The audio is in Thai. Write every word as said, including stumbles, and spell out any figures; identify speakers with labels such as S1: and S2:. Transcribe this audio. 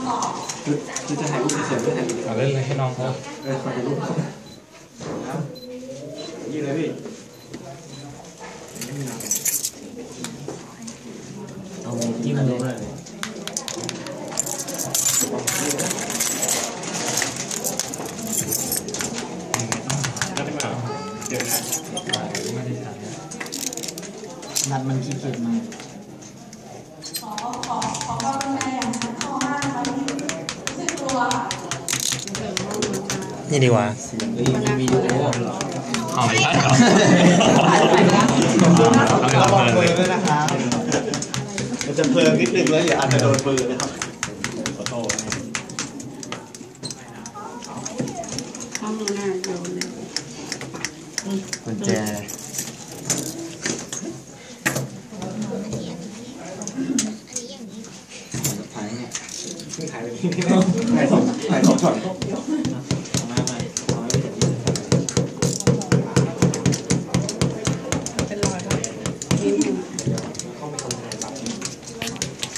S1: คือคือจะถ่ายรูปเฉยๆไม่ถ่ายรูปเอาเล่นเลยให้น้องเขาเออถ่ายรูปครับยี่เลยพี่เอายิ้มเลยนัดมันขี้เกียจมากขอขอขอความเป็นใจอย่างนั้นเข้ามากนะคะที่รู้สึกกลัวนี่ดีกว่ามีวิดีโอเอาไม่ใช่เหรอระวังมือด้วยนะครับมันจะเพลิงนิดนึงแล้วอย่าอาจจะโดนมือนะครับขอโทษข้างหน้าโดนเลยกุญแจถ่ายเนี่ยถ่ายไปที่นี่ถ่ายสองถ่ายสองช็อต